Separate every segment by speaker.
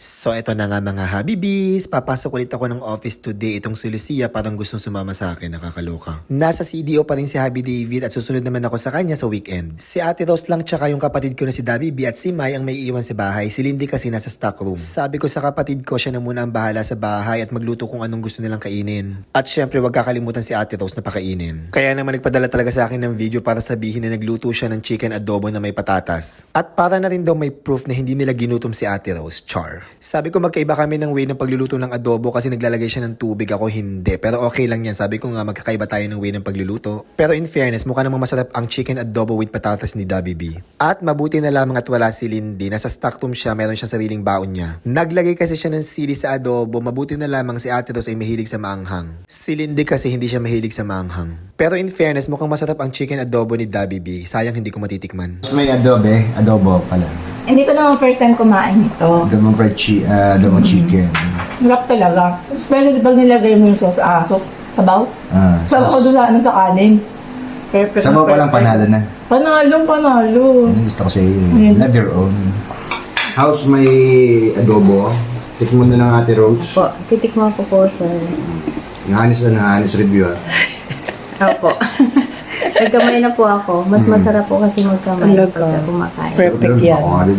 Speaker 1: So eto na nga mga Habibis, papasok ulit ako ng office today. Itong si Lucia parang gustong sumama sa akin, nakakaloka. Nasa CDO pa rin si Habi David at susunod naman ako sa kanya sa weekend. Si Ate Rose lang tsaka yung kapatid ko na si Dabi B at si Mai ang may iwan sa bahay. Si Lindy kasi nasa stock room. Sabi ko sa kapatid ko, siya na muna ang bahala sa bahay at magluto kung anong gusto nilang kainin. At syempre wag kakalimutan si Ate Rose na pakainin. Kaya naman nagpadala talaga sa akin ng video para sabihin na nagluto siya ng chicken adobo na may patatas. At para na rin daw may proof na hindi nila ginutom si Ate Rose, char. Sabi ko magkaiba kami ng way ng pagluluto ng adobo kasi naglalagay siya ng tubig, ako hindi. Pero okay lang yan, sabi ko nga magkakaiba tayo ng way ng pagluluto. Pero in fairness, mukha namang masarap ang chicken adobo with patatas ni Dabi B. At mabuti na lamang at wala si Lindy, nasa stock room siya, meron siyang sariling baon niya. Naglagay kasi siya ng sili sa adobo, mabuti na lamang si Ate Rose ay mahilig sa maanghang. Si Lindy kasi hindi siya mahilig sa maanghang. Pero in fairness, mukhang masarap ang chicken adobo ni Dabi B. Sayang hindi ko matitikman.
Speaker 2: May adobo pala.
Speaker 3: Hindi ko naman first time kumain ito.
Speaker 2: Adobo adobo chicken.
Speaker 3: Sarap talaga. Especially pag nilagay mo yung sauce, sabaw. Sabaw doon sa, sa kanin. Perfect.
Speaker 2: Sabaw pa lang panalo na.
Speaker 3: Panalo.
Speaker 2: Yan ang gusto ko sa iyo. Love your own. How's may adobo? Tikman mo na ng Ate Rose.
Speaker 4: Po, titikman ko po, sir.
Speaker 2: Nahanis review
Speaker 4: Opo. Nagkamay na po ako. Mas masarap po kasi magkamay pagka kumakain.
Speaker 3: Perfect yan.
Speaker 2: Ako nga rin.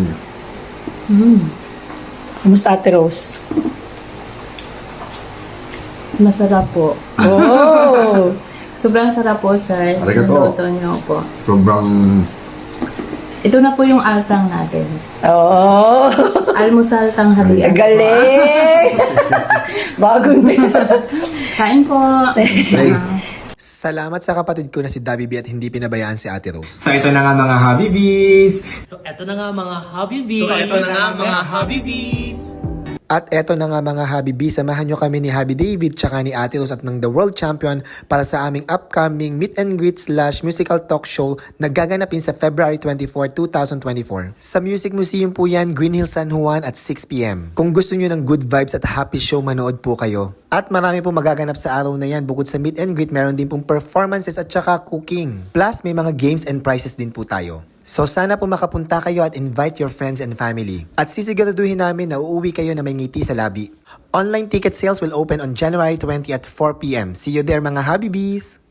Speaker 3: Kamusta Ate Rose?
Speaker 4: Masarap po.
Speaker 3: Oh!
Speaker 4: Sobrang sarap po, sir.
Speaker 2: Arigato.
Speaker 4: Luto niyo po.
Speaker 2: Sobrang...
Speaker 4: Ito na po yung altang natin.
Speaker 3: Oh!
Speaker 4: Almusal tanghalian.
Speaker 3: Galing! Bagong
Speaker 4: Kain po.
Speaker 2: Hey.
Speaker 1: Salamat sa kapatid ko na si Dabi B at hindi pinabayaan si Ate Rose.
Speaker 2: So ito na nga mga Habibis.
Speaker 5: So eto na nga mga Habibis.
Speaker 1: At eto na nga mga Habibi, samahan nyo kami ni Habi David tsaka ni Ate Rose at ng The World Champion para sa aming upcoming meet and greet / musical talk show na gaganapin sa February 24, 2024. Sa Music Museum po yan, Green Hills, San Juan at 6pm. Kung gusto nyo ng good vibes at happy show, manood po kayo. At marami pong magaganap sa araw na yan. Bukod sa meet and greet, meron din pong performances at tsaka cooking. Plus, may mga games and prizes din po tayo. So sana po makapunta kayo at invite your friends and family. At sisiguraduhin namin na uuwi kayo na may ngiti sa labi. Online ticket sales will open on January 20 at 4pm. See you there mga Habibis!